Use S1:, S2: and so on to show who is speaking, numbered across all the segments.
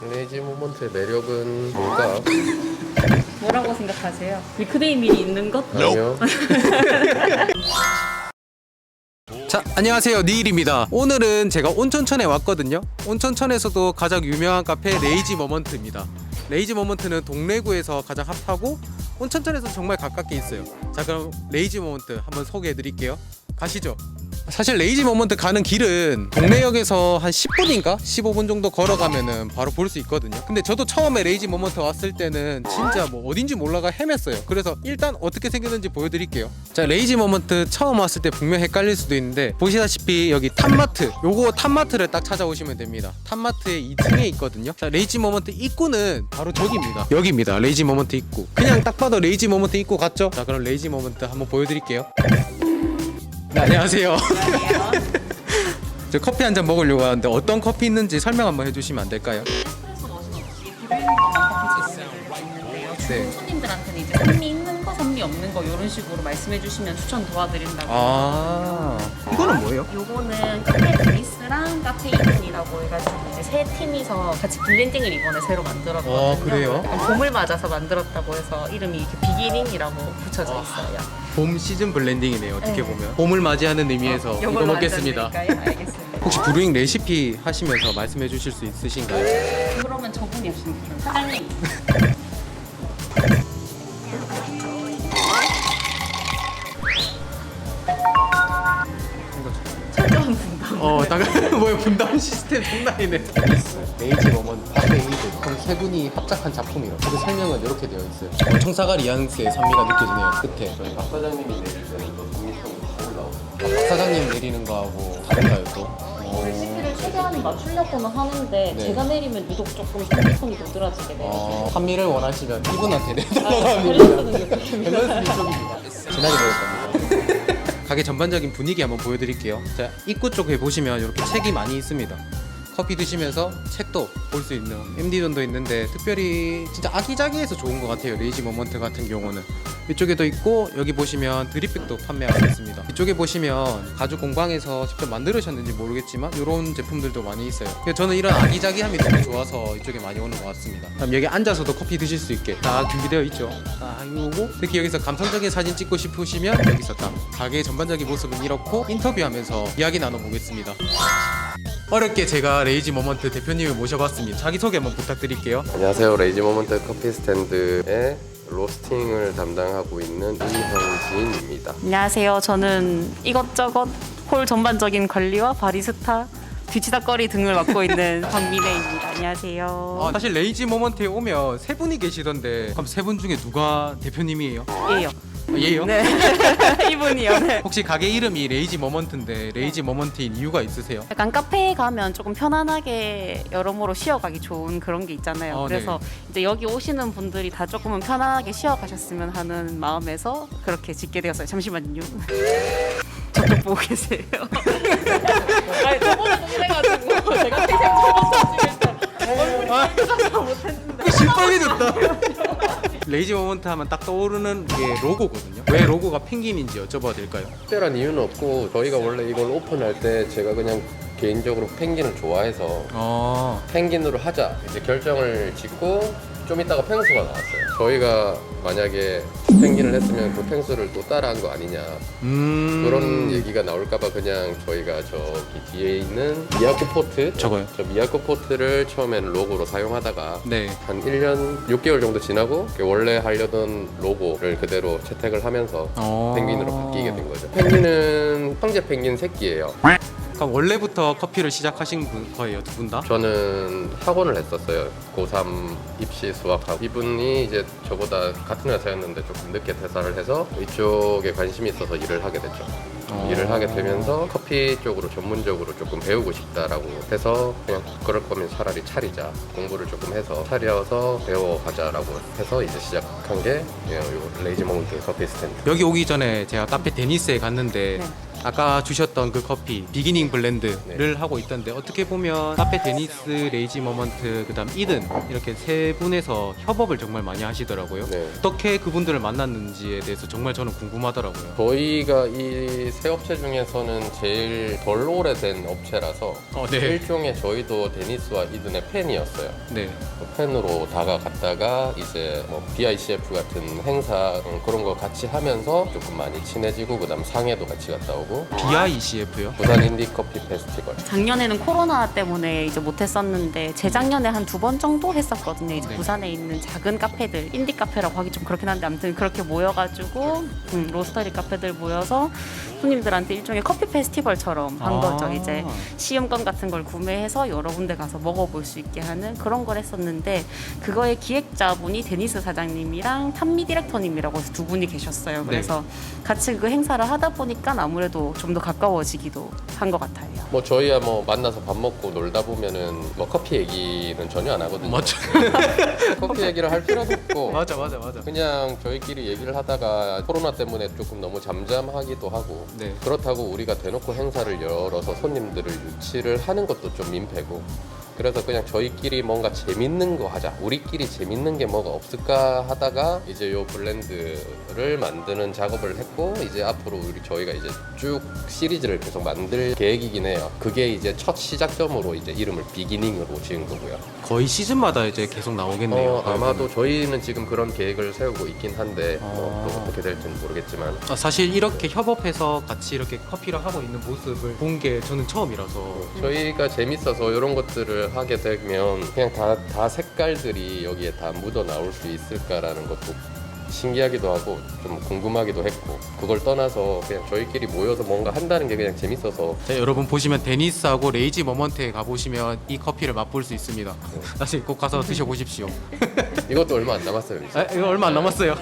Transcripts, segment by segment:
S1: 레이지 모먼트의 매력은 뭘까?
S2: 뭐라고 생각하세요? 밀크데이 밀이 있는 것?
S1: 아니요.
S3: 자, 안녕하세요, 니일입니다. 오늘은 제가 온천천에 왔거든요. 온천천에서도 가장 유명한 카페 레이지 모먼트입니다. 레이지 모먼트는 동래구에서 가장 핫하고 온천천에서 정말 가깝게 있어요. 자, 그럼 레이지 모먼트 한번 소개해 드릴게요. 가시죠. 사실 레이지 모먼트 가는 길은 동래역에서 한 10분인가 15분 정도 걸어가면은 바로 볼 수 있거든요. 근데 저도 처음에 레이지 모먼트 왔을 때는 진짜 뭐 어딘지 몰라가 헤맸어요. 그래서 일단 어떻게 생겼는지 보여드릴게요. 자, 레이지 모먼트 처음 왔을 때 분명 헷갈릴 수도 있는데 보시다시피 여기 탑마트, 요거 탑마트를 딱 찾아오시면 됩니다. 탑마트의 2층에 있거든요. 자, 레이지 모먼트 입구는 바로 저기입니다. 여기입니다. 레이지 모먼트 입구. 그냥 딱 봐도 레이지 모먼트 입구 같죠? 자, 그럼 레이지 모먼트 한번 보여드릴게요. 네, 안녕하세요. 저 커피 한 잔 먹으려고 하는데 어떤 커피 있는지 설명 한번 해주시면 안 될까요?
S2: 에스프레소 머신 없이 비벼 있는 것만 커피 제공해드릴 수 있는데요.
S3: 네.
S2: 손님들한테는 이제 산미 있는 거, 산미 없는 거 이런 식으로 말씀해주시면 추천 도와드린다고.
S3: 아, 이거는 뭐예요?
S2: 요거는 카페 그리스랑 카페 이븐이라고 해가지고 이제 세 팀이서 같이 블렌딩을 이번에 새로 만들었거든요.
S3: 아, 그래요?
S2: 봄을 맞아서 만들었다고 해서 이름이 이렇게 비기닝이라고 붙여져 있어요.
S3: 봄 시즌 블렌딩이네요. 어떻게
S2: 네.
S3: 보면 봄을 맞이하는 의미에서 이거
S2: 요걸로
S3: 먹겠습니다.
S2: 앉아드릴까요? 알겠습니다.
S3: 혹시 브루잉 레시피 하시면서 말씀해 주실 수 있으신가요?
S2: 그러면 저분이 없으니까 사장님. 철저한 분담.
S3: 당연 뭐야, 분담 시스템 장난이네. 레이지 모먼트 카페 이드 그럼 세 분이 합작한 작품이에요. 그 설명은 이렇게 되어 있어요. 청사가 리앙스의 산미가 느껴지네요. 끝에 저희
S1: 박 사장님이 내릴 때는 또 독립성이 더 올라오고.
S3: 박 사장님 내리는 거하고 다른가요 또?
S2: 레시피를 최대한 맞추려고는 하는데
S3: 네.
S2: 제가 내리면 유독 조금 산미성이 도드라지게 내려져요.
S3: 산미를 원하시면 이분한테 내달라고
S2: 밸런스는
S3: 합니다.
S2: 이렇게.
S3: 밸런스는 이쪽입니다. 진하게 먹을 겁니다. 가게 전반적인 분위기 한번 보여드릴게요. 자, 입구 쪽에 보시면 이렇게 책이 많이 있습니다. 커피 드시면서 책도 볼 수 있는 MD존도 있는데 특별히 진짜 아기자기해서 좋은 것 같아요. 레이지 모먼트 같은 경우는 이쪽에도 있고 여기 보시면 드립백도 판매하고 있습니다. 이쪽에 보시면 가죽 공방에서 직접 만들으셨는지 모르겠지만 이런 제품들도 많이 있어요. 그래서 저는 이런 아기자기함이 너무 좋아서 이쪽에 많이 오는 것 같습니다. 그럼 여기 앉아서도 커피 드실 수 있게 딱 준비되어 있죠. 딱 이거고 특히 여기서 감성적인 사진 찍고 싶으시면 여기서 딱 가게 전반적인 모습은 이렇고 인터뷰하면서 이야기 나눠보겠습니다. 어렵게 제가 레이지 모먼트 대표님을 모셔봤습니다. 자기소개 한번 부탁드릴게요.
S1: 안녕하세요. 레이지 모먼트 커피 스탠드의 로스팅을 담당하고 있는 이형진입니다.
S2: 안녕하세요. 저는 이것저것 홀 전반적인 관리와 바리스타, 뒤치다거리 등을 맡고 있는 박미래입니다. 안녕하세요.
S3: 사실 레이지 모먼트에 오면 세 분이 계시던데 그럼 세 분 중에 누가 대표님이에요?
S2: 예요.
S3: 얘요?
S2: 네. 이분이요. 네.
S3: 혹시 가게 이름이 레이지 모먼트인데 레이지 모먼트인 이유가 있으세요?
S2: 약간 카페에 가면 조금 편안하게 여러모로 쉬어가기 좋은 그런 게 있잖아요. 그래서 이제 여기 오시는 분들이 다 조금은 편안하게 쉬어가셨으면 하는 마음에서 그렇게 짓게 되었어요. 잠시만요. 저쪽 보고 계세요. 아니 저번에도 그래가지고 제가 태생 처음 중에서 못했는데.
S3: 신빨개졌다. 레이지 모먼트 하면 딱 떠오르는 게 로고거든요. 왜 로고가 펭귄인지 여쭤봐도 될까요?
S1: 특별한 이유는 없고 저희가 원래 이걸 오픈할 때 제가 그냥 개인적으로 펭귄을 좋아해서 펭귄으로 하자 이제 결정을 짓고 좀 있다가 펭수가 나왔어요. 저희가 만약에 펭귄을 했으면 그 펭수를 또 따라한 거 아니냐 그런 얘기가 나올까봐 그냥 저희가 저기 뒤에 있는 미야코 포트
S3: 저거요?
S1: 저 미야코 포트를 처음에는 로고로 사용하다가
S3: 네.
S1: 한 1년 6개월 정도 지나고 원래 하려던 로고를 그대로 채택을 하면서 펭귄으로 바뀌게 된 거죠. 펭귄은 황제 펭귄 새끼예요.
S3: 그럼 원래부터 커피를 시작하신 거예요, 두 분 다?
S1: 저는 학원을 했었어요. 고3 입시 수학하고 이분이 이제 저보다 같은 회사였는데 조금 늦게 퇴사를 해서 이쪽에 관심이 있어서 일을 하게 됐죠. 일을 하게 되면서 커피 쪽으로 전문적으로 조금 배우고 싶다라고 해서 그냥 그럴 거면 차라리 차리자 공부를 조금 해서 차려서 배워가자라고 해서 이제 시작한 게 요 레이지 모먼트 커피 스탠드.
S3: 여기 오기 전에 제가 카페 데니스에 갔는데
S2: 네.
S3: 아까 주셨던 그 커피 비기닝 블렌드를
S1: 네.
S3: 하고 있던데 어떻게 보면 카페 데니스, 레이지 머먼트, 그다음 이든 이렇게 세 분에서 협업을 정말 많이 하시더라고요.
S1: 네.
S3: 어떻게 그분들을 만났는지에 대해서 정말 저는 궁금하더라고요.
S1: 저희가 이 세 업체 중에서는 제일 덜 오래된 업체라서
S3: 네.
S1: 일종의 저희도 데니스와 이든의 팬이었어요.
S3: 네.
S1: 팬으로 다가갔다가 이제 뭐 BICF 같은 행사 그런 거 같이 하면서 조금 많이 친해지고 그다음 상해도 같이 갔다 오고
S3: BICF요?
S1: 부산 인디 커피 페스티벌.
S2: 작년에는 코로나 때문에 이제 못했었는데 재작년에 한 2번 정도 했었거든요. 이제
S3: 네.
S2: 부산에 있는 작은 카페들, 인디 카페라고 하기 좀 그렇긴 한데 아무튼 그렇게 모여가지고 로스터리 카페들 모여서 손님들한테 일종의 커피 페스티벌처럼 한 거죠. 이제 시음권 같은 걸 구매해서 여러 군데 가서 먹어볼 수 있게 하는 그런 걸 했었는데 그거의 기획자분이 데니스 사장님이랑 탐미 디렉터님이라고 해서 두 분이 계셨어요. 그래서 같이 그 행사를 하다 보니까 아무래도 좀 더 가까워지기도 한 것 같아요.
S1: 뭐 저희야 뭐 만나서 밥 먹고 놀다 보면은 뭐 커피 얘기는 전혀 안 하거든요.
S3: 맞죠.
S1: 커피 얘기를 할 필요도 없고
S3: 맞아.
S1: 그냥 저희끼리 얘기를 하다가 코로나 때문에 조금 너무 잠잠하기도 하고
S3: 네.
S1: 그렇다고 우리가 대놓고 행사를 열어서 손님들을 유치를 하는 것도 좀 민폐고 그래서 그냥 저희끼리 뭔가 재밌는 거 하자 우리끼리 재밌는 게 뭐가 없을까 하다가 이제 요 블렌드를 만드는 작업을 했고 이제 앞으로 저희가 이제 쭉 시리즈를 계속 만들 계획이긴 해요. 그게 이제 첫 시작점으로 이제 이름을 비기닝으로 지은 거고요.
S3: 거의 시즌마다 이제 계속 나오겠네요.
S1: 아마도 저희는 지금 그런 계획을 세우고 있긴 한데 뭐 또 어떻게 될지는 모르겠지만
S3: 사실 이렇게 협업해서 같이 이렇게 커피를 하고 있는 모습을 본 게 저는 처음이라서
S1: 저희가 재밌어서 이런 것들을 하게 되면 그냥 다 색깔들이 여기에 다 묻어 나올 수 있을까라는 것도 신기하기도 하고 좀 궁금하기도 했고 그걸 떠나서 그냥 저희끼리 모여서 뭔가 한다는 게 그냥 재밌어서
S3: 자, 여러분 보시면 데니스하고 레이지 머먼트에 가보시면 이 커피를 맛볼 수 있습니다. 나중에 꼭 가서 드셔보십시오.
S1: 이것도 얼마 안 남았어요 이제.
S3: 이거 얼마 안 남았어요.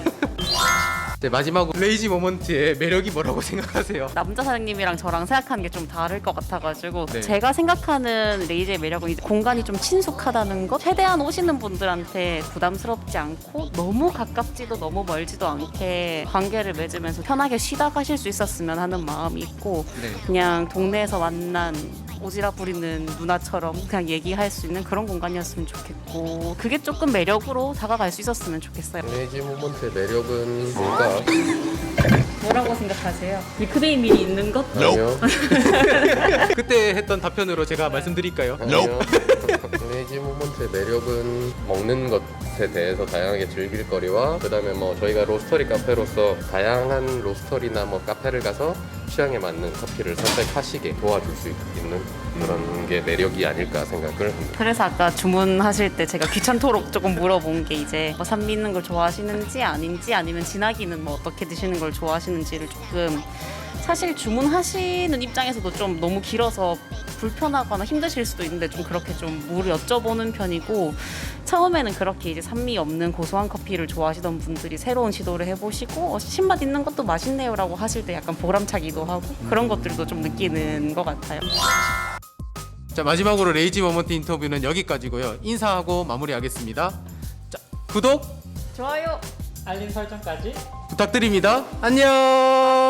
S3: 네, 마지막으로 레이지 머먼트의 매력이 뭐라고 생각하세요?
S2: 남자 사장님이랑 저랑 생각하는 게 좀 다를 것 같아가지고
S3: 네.
S2: 제가 생각하는 레이즈의 매력은 이제 공간이 좀 친숙하다는 것 최대한 오시는 분들한테 부담스럽지 않고 너무 가깝지도 너무 멀지도 않게 관계를 맺으면서 편하게 쉬다 가실 수 있었으면 하는 마음이 있고
S3: 네.
S2: 그냥 동네에서 만난 오지랖 부리는 누나처럼 그냥 얘기할 수 있는 그런 공간이었으면 좋겠고 그게 조금 매력으로 다가갈 수 있었으면 좋겠어요.
S1: 레이지 모먼트의 매력은 뭘까?
S2: 뭐라고 생각하세요? 밀크베이 밀이 있는 것?
S1: 아니요.
S3: 그때 했던 답변으로 제가 말씀드릴까요?
S1: 아니요. 레이지 모먼트의 매력은 먹는 것에 대해서 다양하게 즐길 거리와 그다음에 뭐 저희가 로스터리 카페로서 다양한 로스터리나 뭐 카페를 가서 취향에 맞는 커피를 선택하시게 도와줄 수 있는 그런 게 매력이 아닐까 생각을 합니다.
S2: 그래서 아까 주문하실 때 제가 귀찮도록 조금 물어본 게 이제 뭐 산미 있는 걸 좋아하시는지 아닌지 아니면 진하기는 뭐 어떻게 드시는 걸 좋아하시는지를 조금 사실 주문하시는 입장에서도 좀 너무 길어서 불편하거나 힘드실 수도 있는데 좀 그렇게 좀 물을 여쭤보는 편이고 처음에는 그렇게 이제 산미 없는 고소한 커피를 좋아하시던 분들이 새로운 시도를 해보시고 신맛 있는 것도 맛있네요라고 하실 때 약간 보람차기도 하고 그런 것들도 좀 느끼는 것 같아요.
S3: 자, 마지막으로 레이지 머먼트 인터뷰는 여기까지고요. 인사하고 마무리하겠습니다. 자, 구독
S2: 좋아요.
S4: 알림 설정까지
S3: 부탁드립니다. 안녕.